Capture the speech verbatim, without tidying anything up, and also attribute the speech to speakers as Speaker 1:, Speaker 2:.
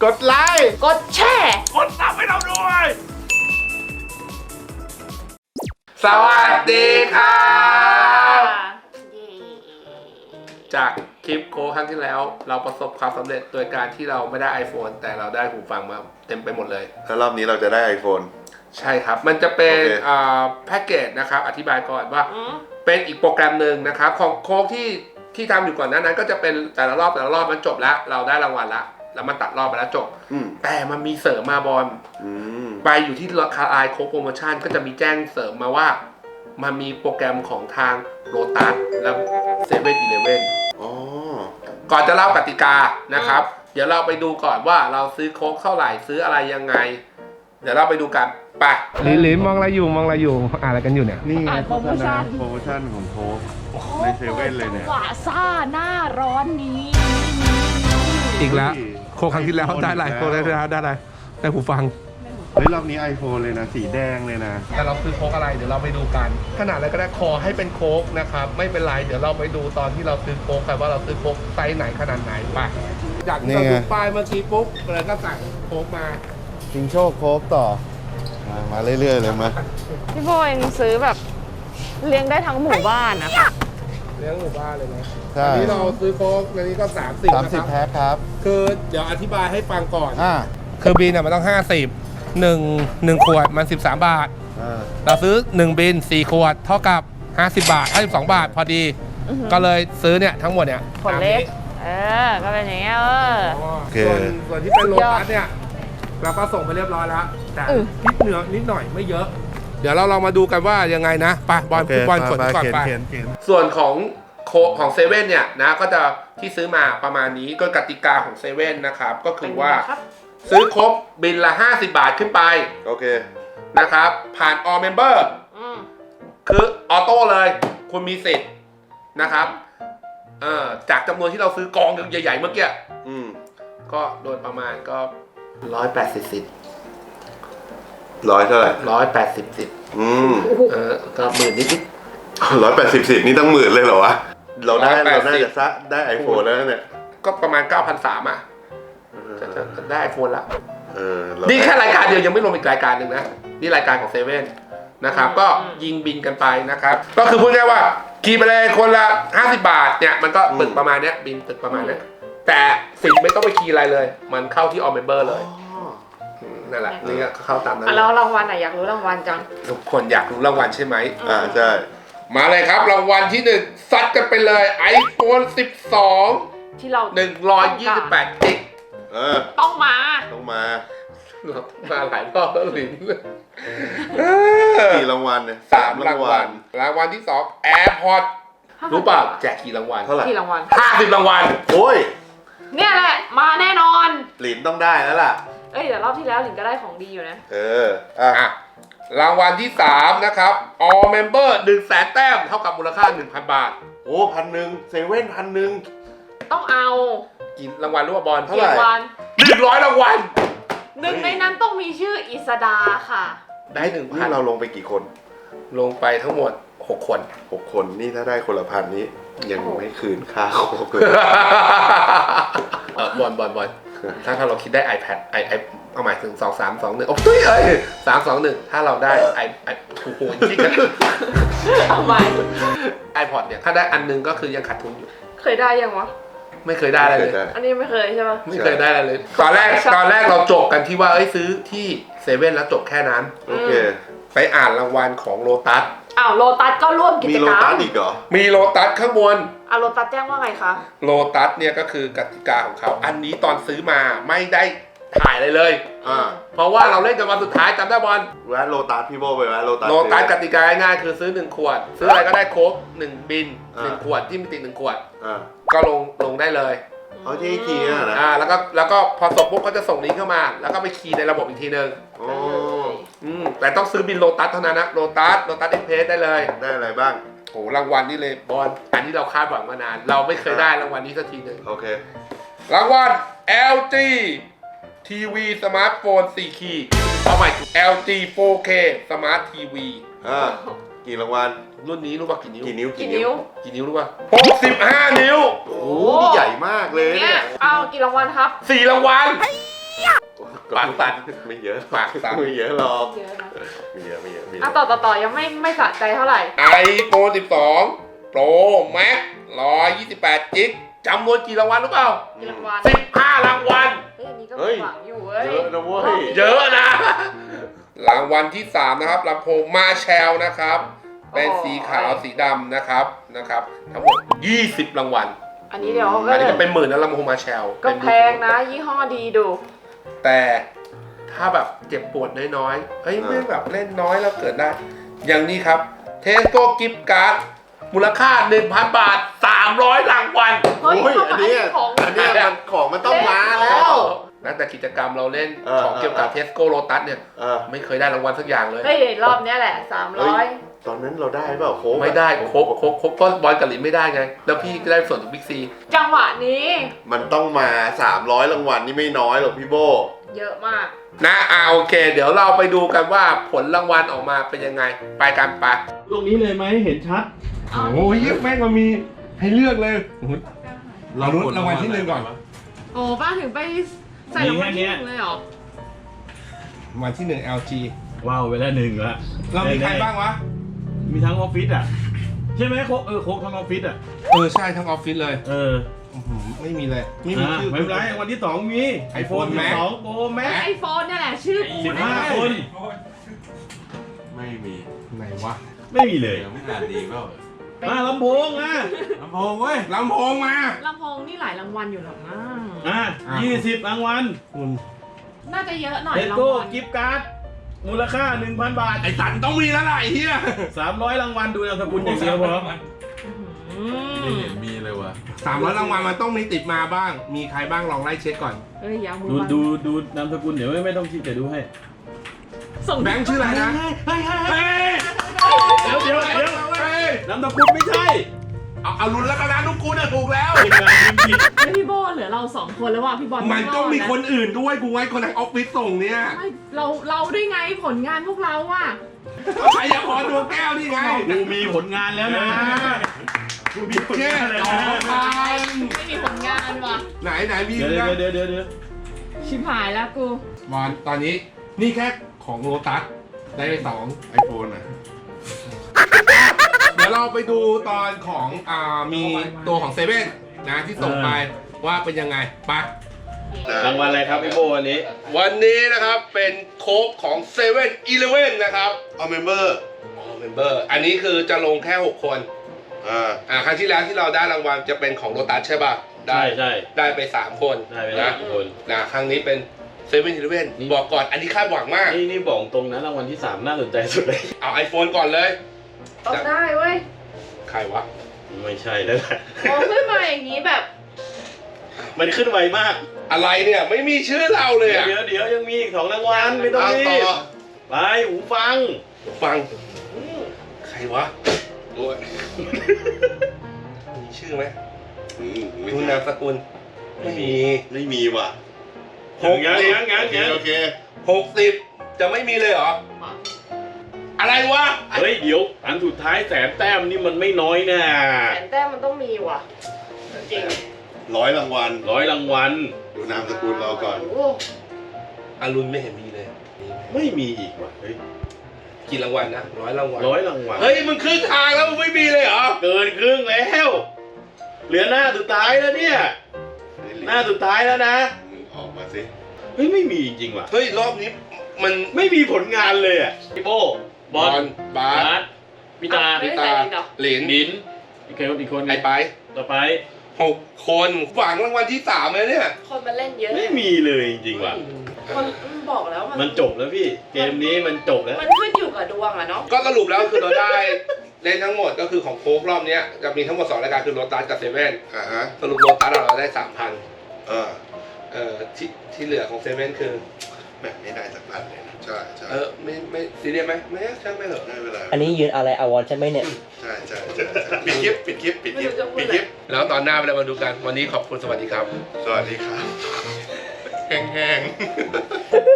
Speaker 1: กดไลค์
Speaker 2: กดแชร์
Speaker 1: กดซับให้เราด้วยสวัสดีครับจากคลิปโค้ครั้งที่แล้วเราประสบความสำเร็จโดยการที่เราไม่ได้ iPhone แต่เราได้หูฟังมาเต็มไปหมดเลย
Speaker 3: แล้วรอบนี้เราจะได้ iPhone
Speaker 1: ใช่ครับมันจะเป็น
Speaker 3: okay.
Speaker 1: แพ็กเกจนะครับอธิบายก่อนว่าเป็นอีกโปรแกรมหนึ่งนะครับของโค้กที่ที่ทำอยู่ก่อนหน้านั้นก็จะเป็นแต่ละรอบแต่ละรอบมันจบแล้วเราได้รางวัลละแล้วมันตัดรอบไปแล้วจบแต่มันมีเสริมมาบอลไปอยู่ที่ราคาไอโค้กโปรโมชั่นก็จะมีแจ้งเสริมมาว่ามันมีโปรแกรมของทางโลตัสและเซเว่นอีเลฟเว่นก่อนจะเล่ากติกานะครับเดี๋ยวเราไปดูก่อนว่าเราซื้อโค้กเท่าไหร่ซื้ออะไรยังไงเดี๋ยวเราไปดูกันไปลินลินมองอะไรอยู่มองอะไรอยู่อ่านอะไรกันอยู่เนี่ย
Speaker 3: นี่โปรโมชั่นโปรโมชั่นของโค้กในเซเว่นเลยเนี่ย
Speaker 2: ว่าซ่าหน้าร้อนนี้
Speaker 1: อีกแล้วโค้กครั้งที่แล้วได้อะไรโค้กได้ได้ได้อะไรได้หูฟัง
Speaker 3: เฮ้ยรอบนี้ iPhone เลยนะสีแดงเลยนะ
Speaker 1: แต่เราซื้อโค้กอะไรเดี๋ยวเราไปดูกันขนาดอะไรก็ได้ขอให้เป็นโค้กนะครับไม่เป็นไรเดี๋ยวเราไปดูตอนที่เราซื้อโค้กกันว่าเราซื้อโค้กไซส์ไหนขนาดไหนไปจากที่เราดูป้ายเมื่อกี้ปุ๊บเลยก็สั่งโค้กมา
Speaker 3: ชิงโชคโค้กต่อมามาเรื่อยๆเลยมา
Speaker 2: พี่โบเองซื้อแบบเลี้ยงได้ทั้งหมู่บ้านนะคะ
Speaker 1: เลี้ยงหมู่บ้านเลยนะอันนี้เราซื้อโค้กอันนี้ก็สามสิบ
Speaker 3: สามสิบแพ็คครับ
Speaker 1: คือเดี๋ยวอธิบายให้ฟังก่อนอ่าคือบินเนี่ยมันต้องห้าสิบหนึ่งหนึ่งขวดมันสิบสามบาทเราซื้อหนึ่งบินสี่ขวดเท่ากับห้าสิบบาทห้าสิบสองบาทพอดีก็เลยซื้อเนี่ยทั้งหมดเนี่ย
Speaker 2: ขวดเล็กเออก็เป็นอย่างเงี้ยเออ
Speaker 1: ส่วนส่วนที่เป็นโลตัสเนี่ยเราก็ส่งไปเรียบร้อยแล้วแต่นิดเหนือนิดหน่อยไม่เยอะเดี๋ยวเราลองมาดูกันว่ายังไงนะไปบอลฟุตบอลขนก่อนไปส่วนของโคของเซเว่นเนี่ยนะก็จะที่ซื้อมาประมาณนี้ก็กติกาของเซเว่นนะครับก็คือว่าซื้อครบบินละห้าสิบบาทขึ้นไป
Speaker 3: โอเค
Speaker 1: นะครับผ่าน All Member คือออโต้เลยคุณมีสิทธิ์นะครับเอ่อจากจำนวนที่เราซื้อกองใหญ่ๆเมื่อกี้ก็โดยประมาณก็ร้อยแปดสิบสิทธิ์
Speaker 3: ร้อยเท่าไหร่
Speaker 1: ร้อยแปดสิบสิทธิ์อืมเออก็หมื่นนิด
Speaker 3: ๆร้อยแปดสิบสิทธิ์นี่ตั้งหมื่นเลยเหรอวะเราได้เราน่าจะซะได้ไอโฟนแล้วเนี่ย
Speaker 1: ก็ประมาณ เก้าพันสามร้อย อ่ะจะได้ไอโฟนละนี่แค่รายการเดียวยังไม่รวมอีกรายการหนึ่งนะนี่รายการของเซเว่นนะครับก็ยิงบินกันไปนะครับก็คือพูดง่ายว่าขี่ไปเลยคนละห้าสิบบาทเนี่ยมันก็ตึกประมาณเนี้ยบินตึกประมาณเนี้ยแต่สิทธิ์ไม่ต้องไปขี่อะไรเลยมันเข้าที่ All Member เลยนั่นแหละนี่ก็เข้าตามนั้น
Speaker 2: แล้วรางวัลอ่ะอยากรู้รางวัลจัง
Speaker 1: ทุกคนอยากรู้รางวัลใช่ไหม
Speaker 3: อ่าใช่
Speaker 1: มาเลยครับรางวัลที่หนึ่งซัดกันไปเลย iPhone สิบสอง
Speaker 2: ที่เรา
Speaker 1: หนึ่งร้อยยี่สิบแปดจิก
Speaker 2: ต้องมา
Speaker 3: ต้องมา
Speaker 1: เรามาหลายรอบแล้วลิ้น
Speaker 3: กี่รางวัลเนี่ย
Speaker 1: สามรางวัลรางวัลที่สอง AirPods รู้ป่ะแจกกี่รางวัล
Speaker 3: เท่าไหร่
Speaker 2: กี่รางวัล
Speaker 1: ห้าสิบรางวัล
Speaker 3: โอ้ย
Speaker 2: เนี่ยแหละมาแน่นอน
Speaker 3: หลินต้องได้แล้วล่ะ
Speaker 2: เอ้ยเดี๋ยวรอบที่แล้วหลินก็ได้ของดีอยู่นะ
Speaker 3: เอออ่ะ
Speaker 1: รางวัลที่สามนะครับ All Member หนึ่งแสนแต้มเท่ากับมูลค่า หนึ่งพัน บาท
Speaker 3: โอ้พันหนึ่งเซเว่นพันหนึ่ง
Speaker 2: ต้องเอา
Speaker 1: กี่รางวัลรู้ป่ะบอล
Speaker 3: เท่าไหร่
Speaker 1: หนึ่งร้อยรางวัล
Speaker 2: หนึ่งในนั้นต้องมีชื่ออิสดาค่ะ
Speaker 1: ได้หนึ่งพั
Speaker 3: นเราลงไปกี่คน
Speaker 1: ลงไปทั้งหมดหกคน
Speaker 3: หกคนนี่ถ้าได้คนละพันนี้ยังไม่คืนค่าโค้กเลย
Speaker 1: เออบอลบอลบอลถ้าถ้าเราคิดได้ iPad ไอไอเอาหมายถึงสองสามสองหนึ่งโอ้ยเอ้ยสามสองหนึ่งถ้าเราได้ไอไอโอ้โหจริงกัน
Speaker 2: เอาไป
Speaker 1: ไอพอดเนี่ยถ้าได้อันนึงก็คือยังขาดทุนอยู่
Speaker 2: เคยได้ยังวะ
Speaker 1: ไม่เคยได้อะไรเลย
Speaker 2: อันนี้ไม่เคยใช่ไหม
Speaker 1: ไม่เคยได้อะไรเลยตอนแรกตอนแรกเราจบกันที่ว่าเอ้ยซื้อที่เซเว่นแล้วจบแค่นั้น
Speaker 3: โอเค
Speaker 1: ไปอ่านรางวัลของโลตัส
Speaker 2: อ้าวโลตัสก็ร่วมกิจกรรม
Speaker 3: มีโลตัสอีกเหรอ
Speaker 1: มีโลตัสข้างบน
Speaker 2: อ่ะโลตัสแจ้งว่าไงคะ
Speaker 1: โลตัสเนี่ยก็คือกติกาของเขาอันนี้ตอนซื้อมาไม่ได้ถ่ายเลยเลยอ่าเพราะว่าเราเล่นกันวันสุดท้ายจำได้บอล
Speaker 3: แวะโลตัสพี่โบไปแวะโลตัส
Speaker 1: โลตัสกติกาง่ายๆคือซื้อหนึ่งขวดซื้ออะไรก็ได้โค้กหนึ่งบินหนึ่งขวดที่มีติดหนึ่งขวดก็ลงลงได้เลย
Speaker 3: เอาที่คีย์นะ
Speaker 1: อ่าแล้วก็แล้วก็พอส่งปุ๊บก็จะส่งลิงก์เข้ามาแล้วก็ไปคีย์ในระบบอีกทีนึง
Speaker 3: อ๋อ
Speaker 1: อืมแต่ต้องซื้อบินโลตัสเท่านั้นนะโลตัสโลตัสเอ็กเพรสได้เลย
Speaker 3: ได้อะไรบ้าง
Speaker 1: โหรางวัลนี่เลยบอลอันนี้เราคาดหวังมานานเราไม่เคยได้รางวัลนี้สักทีหนึ่ง
Speaker 3: โอเค
Speaker 1: รางวัล แอล จี ที วี สมาร์ทโฟนสี่คีย์เอาใหม่ แอล จี โฟร์เค สมาร์ททีวี
Speaker 3: อ่ากี่รางวัล
Speaker 1: รุ่นนี้รู้ป่ะกี่นิ้ว
Speaker 3: กี่นิ้ว
Speaker 2: กี่นิ้ว
Speaker 1: กี่นิ้วรู้ป่ะหกสิบห้านิ้ว
Speaker 3: โอ้โหนี่ใหญ่มากเลย
Speaker 2: เนี่ยเอากี่รางวัลครับ
Speaker 1: สี่รางวัลปากสั่น
Speaker 3: ไม่เยอะ
Speaker 1: ปากสั่น
Speaker 3: ไม่เยอะหรอก
Speaker 2: เยอะนะ
Speaker 3: ไม่เยอะไม่เยอะไม่เย
Speaker 2: อ่ะ
Speaker 3: อะ
Speaker 2: ต่อต่อต่อยังไม่ไม่สะใจเท่าไหร่
Speaker 1: ไอโฟนสิบสอง Pro Max หนึ่งร้อยยี่สิบแปดจิกจำนวนกี่รางวัลรู้เปล่า
Speaker 2: กี่รางวัล
Speaker 1: สิบห้ารางวัล
Speaker 2: เฮ้ยอันนี้ก็
Speaker 3: เฮ้ย
Speaker 2: หวังอยู่เว้ย
Speaker 3: เยอะนะเว้ย
Speaker 1: เยอะนะ รางวัลที่สามนะครับลำโพงมาแชลนะครับ เป็นสีขาวสีดำนะครับนะครับ ทั้งหมดยี่สิบรางวัล
Speaker 2: อันนี้เดี๋ยว
Speaker 1: อันนี้ก็เป็นหมื่นนะลำโพงมาแชล
Speaker 2: ก็แพงนะ ยี่ห้อดีดู
Speaker 1: แต่ถ้าแบบเจ็บปวดน้อยๆเฮ้ยไม่แบบเล่นน้อยแล้วเกิดได้ อย่างนี้ครับเทสโก้กิฟต์การ์ดมูลค่า หนึ่งพัน บาท สามร้อยรางวัล
Speaker 2: เฮ้ย
Speaker 3: โอ้ยอันเนี้ย
Speaker 2: ของ
Speaker 3: อันเนี้ยมันของมันต้องมาแล้ว
Speaker 1: นะแต่กิจกรรมเราเล่น
Speaker 3: เออ
Speaker 1: ของเกี่ยวกับเทสโก้โลตัสเนี่ย
Speaker 3: เออ
Speaker 1: ไม่เคยได้รางวัลสักอย่างเลย
Speaker 2: เฮ้ยรอบเนี้ยแหละสามร้อย
Speaker 3: ตอนนั้นเราได้เปล่าโค้กอะ
Speaker 1: ไม่ได้โคกโคกโคกก็บอลกับลินไม่ได้ไง แล้วพี่ก็ได้ส่วนจากบิ๊กซี
Speaker 2: จังหวะนี้
Speaker 3: มันต้องมาสามร้อยรางวัลนี่ไม่น้อยหรอกพี่โบ
Speaker 2: เยอะมาก
Speaker 1: นะอ่าโอเค เดี๋ยวเราไปดูกันว่าผลรางวัลออกมาเป็นยังไง ไปกันไป
Speaker 4: ตรงนี้เลยไหมเห็นชัด
Speaker 1: โอ้ยแม่งมันมีให้เลือกเลยเราลุ้นรางวัลที่หนึ่งก่อน
Speaker 2: โอ้ป้าถึงไปใส่รางวัลที่หนึ่งเลยเหรอ
Speaker 1: รางวัลที่หนึ่ง แอล จี
Speaker 4: ว้าวไปแล้วหนึ่งละ
Speaker 1: เรามีใครบ้างวะ
Speaker 4: มีทั้งออฟฟิศอ่ะ ใช่ไหมโคกเออโคกทั้งออฟฟิศอ่ะ
Speaker 1: เออใช่ทั้งออฟฟิศเลย
Speaker 4: เออ
Speaker 1: อื้อหือไม่มีเลย ไม่มี
Speaker 4: อ่า
Speaker 1: ชื่อ
Speaker 4: ไม่เป็นไรวันที่สองมี
Speaker 1: iPhone
Speaker 4: สิบ
Speaker 1: Max
Speaker 4: สองโปรแม็ก
Speaker 2: ไอโฟนเนี่ยแหละชื่อกู
Speaker 4: สิบ
Speaker 2: แน่
Speaker 4: ห้าคน
Speaker 5: ไม่มี
Speaker 1: ไหนวะ
Speaker 4: ไม่มีเลย
Speaker 5: เดี๋ยวไม่อ่านดีเปล่า
Speaker 4: อ่าลำโพงอ่ะ
Speaker 5: ลำโพงเว้ย
Speaker 1: ลำโพงมา
Speaker 2: ลำโพงนี่หลายรางวัลอยู่หรอกนะ
Speaker 4: อ่ะยี่สิบรางวัล
Speaker 1: คุณ
Speaker 2: น่าจะเยอะหน่อย
Speaker 4: เล
Speaker 2: ราง
Speaker 4: โก้
Speaker 2: วัล
Speaker 4: กิฟต์การ์ดมูลค่า หนึ่งพัน บาท
Speaker 1: ไอ้สันต้องมีแล้วล่ะไอ้เหี้ย
Speaker 4: สามร้อยรางวัลดูนามสกุลอย่างเดียวพอ
Speaker 2: อื
Speaker 5: ไม่
Speaker 2: ม
Speaker 5: เห็นมีเลยว่ะ
Speaker 1: สามร้อยรางวัลมันต้องมีติดมาบ้าง มีใครบ้างลองไล่เช็คก่อน
Speaker 2: เฮ้ยอยามือ
Speaker 4: ดู
Speaker 2: บัง
Speaker 4: ดูดูนามสกุลเดี๋ยวไม่ไม่ต้องคิดเดี๋ยวดูให้
Speaker 2: ส่ง
Speaker 1: แบงค์ชื่ออะไรนะ
Speaker 4: เฮ้ยเฮ้ย
Speaker 1: เฮ้ย
Speaker 4: เดี๋ยวเดี๋ยวเดี๋ยว
Speaker 1: เฮ้ย
Speaker 4: นามสกุลไม่ใช่
Speaker 1: เอาเอาลุ้นแล้วกันนะลูกกูเนี่ยถูกแล้ว
Speaker 4: ทีมงานพิมพ์ผิด
Speaker 2: เฮ้ยพี่โบเหลือเราสองคนแล้วว่ะพี่บอล
Speaker 1: มันต้องมี
Speaker 2: รดะ
Speaker 1: คนอื่นด้วยกูไว้คนทางออฟฟิศส่งเนี่ย
Speaker 2: ไม่เราเราด้วยไงผลงานพวกเราอ่ะ
Speaker 1: ใครอยากขอตัวแก้วนี่ไง
Speaker 4: กูมีผลงานแล้วนะกูมีผล
Speaker 1: เจ๊
Speaker 4: งานแล้ว
Speaker 1: สอง
Speaker 4: นะ
Speaker 1: พัน
Speaker 2: ไม่มีผลงานว่ะ
Speaker 1: ไหนไหนมี
Speaker 4: เดี๋ยว
Speaker 1: เรื่อง
Speaker 4: เดี๋ยวเดี๋ยวเดี๋ยว
Speaker 2: ชิบหายแล้วกู
Speaker 1: บอลตอนนี้นี่แค่ของโลตัสได้ไปสองไอโฟนนะเดี๋ยวเราไปดูตอนของอ่ามีตัวของเซเว่นนะที่ส่งไปว่าเป็นยังไงไป
Speaker 4: รางวัลอะไรครับพี่โบวันนี้
Speaker 1: วันนี้นะครับเป็นโค้กของเซเว่นอีเลฟเว่นนะครับ
Speaker 3: เอาเมมเบอร์
Speaker 1: เมมเบอร์อันนี้คือจะลงแค่หกคน
Speaker 3: อ่า
Speaker 1: อ่าครั้งที่แล้วที่เราได้รางวัลจะเป็นของโลตัสใช่ป่ะได้
Speaker 4: ใช่ใช่
Speaker 1: ได้ไปสามคน
Speaker 4: ได้ไปแล้ว
Speaker 1: นะ
Speaker 4: ทุกคน
Speaker 1: นะครั้งนี้เป็นเซเว่นอีเลฟเว่นบอกก่อนอันนี้คาดหวังมาก
Speaker 4: นี่นี่บอกตรงนะรางวัลที่สามน่าสนใจสุดเลย
Speaker 1: เอา iPhone ก่อนเลย
Speaker 2: ต้องได้เว้ย
Speaker 1: ใครวะ
Speaker 4: ไม่ใช่แล้วแหละ
Speaker 2: มองขึ้นมาอย่างนี้แบบ
Speaker 4: มันขึ้นไวมาก
Speaker 1: อะไรเนี่ยไม่มีชื่อเราเลย
Speaker 4: เดี๋ยว
Speaker 1: อ่ะ
Speaker 4: เดี๋ยวยังมีอีกสองรางวัลไม่ต้อง
Speaker 3: เอา
Speaker 4: รี
Speaker 3: ต่อบ
Speaker 4: ไปหูฟัง
Speaker 1: ฟังใครวะโอ้ยมีชื่อไหม
Speaker 3: อืมไม่
Speaker 1: ดู
Speaker 3: ใช่
Speaker 1: นามสกุลไม่มี
Speaker 3: ไม่มีว่ะ
Speaker 1: หก
Speaker 4: ยัง
Speaker 1: สิบ
Speaker 4: ยังยัง
Speaker 3: โอเค
Speaker 4: ยัง
Speaker 3: โอเค
Speaker 1: หกสิบจะไม่มีเลยเหรอ อะไรวะ
Speaker 4: เฮ้ยเดี๋ยวอันสุดท้ายแสนแต้มนี่มันไม่น้อยนะ
Speaker 2: แสนแต้มมันต้องมีว่ะ จริง
Speaker 3: ร้อยรางวัล
Speaker 4: ร้อยรางวัล
Speaker 3: ดูนามสกุลเราก่อน
Speaker 2: โอ้
Speaker 1: อารุณไม่เห็นมีเลยมีไหม
Speaker 4: ไม่มีอีกว่ะเฮ้ย
Speaker 1: กี่รางวัลนะร้อยรางวัล
Speaker 4: ร้อยรางวัล
Speaker 1: เฮ้ยมึงครึ่งทางแล้วมึงไม่มีเลยเหรอ
Speaker 4: เกินครึ่งแล้ว เหลือหน้าสุดท้ายแล้วเนี่ย หน้าสุดท้ายแล้วนะ
Speaker 3: มึงออกมาสิ
Speaker 4: เฮ้ยไม่มีจริงๆว่ะ
Speaker 1: เฮ้ยรอบนี้มัน
Speaker 4: ไม่มีผลงานเลยอ่ะพี่โบบ
Speaker 1: อ
Speaker 4: อ
Speaker 1: ล
Speaker 4: ล
Speaker 1: บา
Speaker 4: บา
Speaker 1: ส
Speaker 4: สพิตา
Speaker 2: ไม่
Speaker 1: พิ
Speaker 2: ได้
Speaker 1: ตา
Speaker 2: ใส่ลินเหรอ
Speaker 1: หลิน
Speaker 4: บินอีกคนอีกคน
Speaker 1: ไอ้ไป
Speaker 4: ต่อไป
Speaker 1: หกคนหวังรางวัลที่สามเลยเนี่ย
Speaker 2: คนมาเล่นเยอะ
Speaker 4: ไม่มีเลยจริงๆว่ะ
Speaker 2: คนบอกแล้วมัน
Speaker 4: มันจบแล้วพี่ เกมนี้มันจบแล้ว
Speaker 2: มันขึ้นอยู่กับดวงอะเนาะ
Speaker 1: ก็สรุปแล้วคือเราได้เล่นทั้งหมดก็คือของโค้กรอบเนี้ยจะมีทั้งหมดสองรายการคือโลตัสกับเซเว่น
Speaker 3: อ่าฮะ
Speaker 1: สรุปโลตัสเราได้สามพัน
Speaker 3: เออ
Speaker 1: เอ่อที่ที่เหลือของเซเว่นคือ
Speaker 3: แบบไม่ได้สักพันเลยนะใช่ใช่
Speaker 1: เออไม่ไม่ซีเรียสไหมไม่ช่างไม่เหรอะ
Speaker 3: ไม่เป็นไร
Speaker 6: อันนี้ยืนอะไรอาวรณ์ใช่ไหมเนี่ย
Speaker 3: ใช่ใช่ใช่ใช่ปิดคลิปปิดคลิปปิดคลิปปิดคลิป
Speaker 1: แล้วตอนหน้าเรามาดูกันวันนี้ขอบคุณสวัสดีครับ
Speaker 3: สวัสดีครับ แห้งๆ